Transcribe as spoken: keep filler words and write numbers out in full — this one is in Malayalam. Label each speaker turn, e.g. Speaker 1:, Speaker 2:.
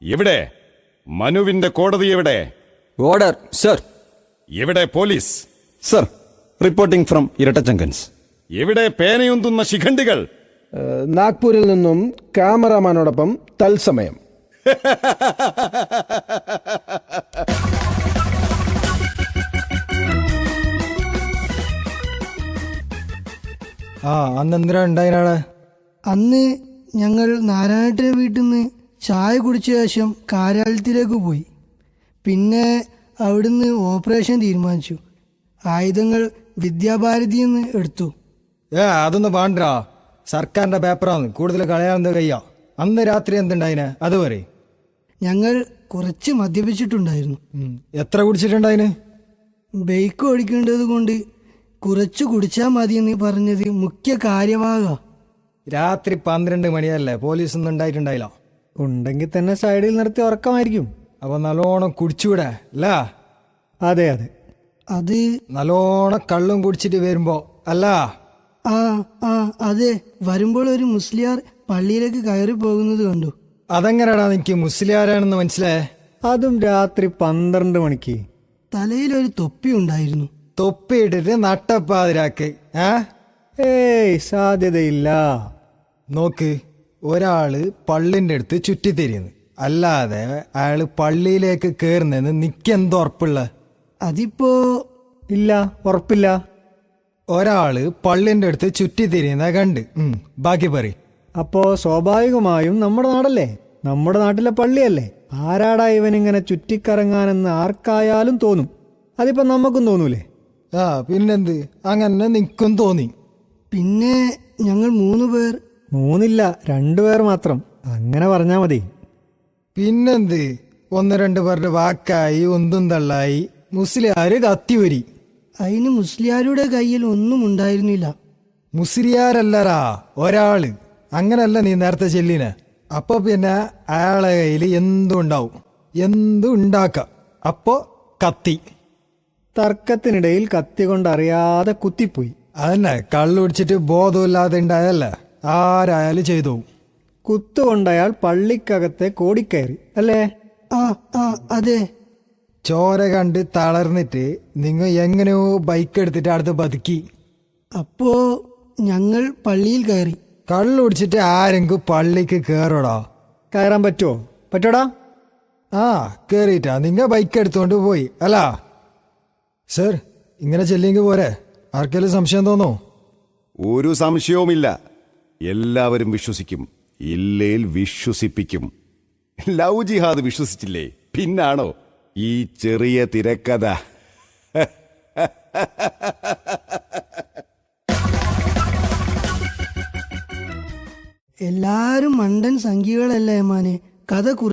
Speaker 1: എവിടെ മനുവിന്റെ കോടതി? എവിടെ
Speaker 2: ഓർഡർ സർ.
Speaker 1: എവിടെ പോലീസ്?
Speaker 2: സർ, റിപ്പോർട്ടിംഗ് ഫ്രം ഇരട്ടച്ചങ്കൻസ്.
Speaker 1: എവിടെ പേനയുന്തുന്ന ശിഖണ്ഡികൾ?
Speaker 3: നാഗ്പൂരിൽ നിന്നും ക്യാമറാമാനോടൊപ്പം തത്സമയം.
Speaker 4: ആ അന്നെന്തിനാ ഉണ്ടായിനാണ്?
Speaker 5: അന്ന് ഞങ്ങൾ നാരായണേട്ടൻ്റെ വീട്ടിൽ നിന്ന് ചായ കുടിച്ച ശേഷം കാര്യാലയത്തിലേക്ക് പോയി. പിന്നെ അവിടുന്ന് ഓപ്പറേഷൻ തീരുമാനിച്ചു. ആയുധങ്ങൾ വിദ്യാഭാരതിയിൽ നിന്ന് എടുത്തു.
Speaker 4: ഏ അതൊന്ന് പാണ്ടാ, സർക്കാരിന്റെ പേപ്പറാണ്, കൂടുതൽ കളയാവുന്ന കയ്യാ. അന്ന് രാത്രി എന്തുണ്ടായിന് അത് പറയും.
Speaker 5: ഞങ്ങൾ കുറച്ച് മദ്യപിച്ചിട്ടുണ്ടായിരുന്നു.
Speaker 4: എത്ര കുടിച്ചിട്ടുണ്ടായിന്?
Speaker 5: ബൈക്ക് ഓടിക്കേണ്ടത് കൊണ്ട് കുറച്ച് കുടിച്ചാൽ മതിയെന്ന് പറഞ്ഞത് മുഖ്യ കാര്യമാകാ.
Speaker 4: രാത്രി പന്ത്രണ്ട് മണിയല്ലേ, പോലീസ് ഒന്നും ഉണ്ടായിട്ടുണ്ടായില്ല. ഉണ്ടെങ്കിൽ തന്നെ സൈഡിൽ നിർത്തി ഉറക്കമായിരിക്കും. അപ്പൊ നല്ലോണം കുടിച്ചുകൂടെ അല്ല?
Speaker 2: അതെ അതെ,
Speaker 5: അത്
Speaker 4: നല്ലോണം കള്ളും കുടിച്ചിട്ട് വരുമ്പോ അല്ല?
Speaker 5: ആ ആ അതെ, വരുമ്പോൾ ഒരു മുസ്ലിയാർ പള്ളിയിലേക്ക് കയറി പോകുന്നത് കണ്ടു.
Speaker 4: അതെങ്ങനെയാടാ എനിക്ക് മുസ്ലിയാരാണെന്ന് മനസ്സിലായേ?
Speaker 2: അതും രാത്രി പന്ത്രണ്ട് മണിക്ക്.
Speaker 5: തലയിലൊരു തൊപ്പി ഉണ്ടായിരുന്നു.
Speaker 4: തൊപ്പിയിട്ടിട്ട് നട്ടപ്പാതിരാക്ക്. ഏ
Speaker 2: ഏയ് സാധ്യതയില്ല.
Speaker 4: നോക്ക്, ഒരാള് പള്ളിന്റെ അടുത്ത് ചുറ്റിത്തിരിയുന്നു, അല്ലാതെ അയാള് പള്ളിയിലേക്ക് കേറുന്നെന്ന് നിക്കെന്തോ ഉറപ്പുള്ള?
Speaker 5: അതിപ്പോ
Speaker 2: ഇല്ല, ഉറപ്പില്ല.
Speaker 4: ഒരാള് പള്ളിന്റെ അടുത്ത് ചുറ്റിത്തിരിയുന്ന കണ്ട്. ബാക്കി പറ.
Speaker 2: അപ്പോ സ്വാഭാവികമായും നമ്മുടെ നാടല്ലേ, നമ്മുടെ നാട്ടിലെ പള്ളിയല്ലേ. ആരാടാ ഇവനിങ്ങനെ ചുറ്റിക്കറങ്ങാനെന്ന് ആർക്കായാലും തോന്നും. അതിപ്പോ നമുക്കും തോന്നൂലേ?
Speaker 4: ആ പിന്നെന്ത്, അങ്ങനെ നിക്കും തോന്നി.
Speaker 5: പിന്നെ ഞങ്ങൾ മൂന്ന് പേർ.
Speaker 2: മൂന്നില്ല, രണ്ടുപേർ മാത്രം. അങ്ങനെ പറഞ്ഞാ മതി.
Speaker 4: പിന്നെന്ത്, ഒന്ന് രണ്ട് പേരുടെ വാക്കായി ഒന്നും തള്ളായി മുസ്ലിയാര് കത്തിവരി.
Speaker 5: അതിന് മുസ്ലിയാരുടെ കയ്യിൽ ഒന്നും ഉണ്ടായിരുന്നില്ല.
Speaker 4: മുസ്ലിയാരല്ലറാ, ഒരാള്. അങ്ങനല്ല നീ നേരത്തെ ചെല്ലിന. അപ്പൊ പിന്നെ അയാളെ കയ്യിൽ എന്തും ഉണ്ടാവും, എന്തും ഉണ്ടാക്കാം. അപ്പോ കത്തി.
Speaker 2: തർക്കത്തിനിടയിൽ കത്തി കൊണ്ടറിയാതെ കുത്തിപ്പോയി.
Speaker 4: അതന്നെ, കള്ളു കുടിച്ചിട്ട് ബോധമില്ലാതെ ഉണ്ടായല്ല, ആരായാലും ചെയ്തു.
Speaker 2: കുത്തുകൊണ്ടയാൾ പള്ളിക്കകത്തെ കോടിക്കയറി അല്ലേ?
Speaker 5: ആ ആ അതെ.
Speaker 4: ചോര കണ്ട് തളർന്നിട്ട് നിങ്ങൾ എങ്ങനെയോ ബൈക്ക് എടുത്തിട്ട് അടുത്ത് ബതുക്കി.
Speaker 5: അപ്പോ ഞങ്ങൾ പള്ളിയിൽ കയറി.
Speaker 4: കള്ളു കുടിച്ചിട്ട് ആരെങ്കിലും പള്ളിക്ക് കേറോടാ?
Speaker 2: കയറാൻ പറ്റുമോ? പറ്റോടാ?
Speaker 4: ആ കേറിയിട്ടാ നിങ്ങ ബൈക്ക് എടുത്തോണ്ട് പോയി അല്ല? സർ, ഇങ്ങനെ ചെല്ലിയെങ്കിൽ പോരെ? ആർക്കെങ്കിലും സംശയം തോന്നോ?
Speaker 1: ഒരു സംശയവുമില്ല. എല്ലാവരും വിശ്വസിക്കും, ഇല്ലേൽ വിശ്വസിപ്പിക്കും. ലവ് ജിഹാദ് വിശ്വസിച്ചില്ലേ, പിന്നാണോ ഈ ചെറിയ തിരക്കഥ?
Speaker 5: എല്ലാരും മണ്ടൻ സംഖ്യകളല്ലേ മാനെ. കഥ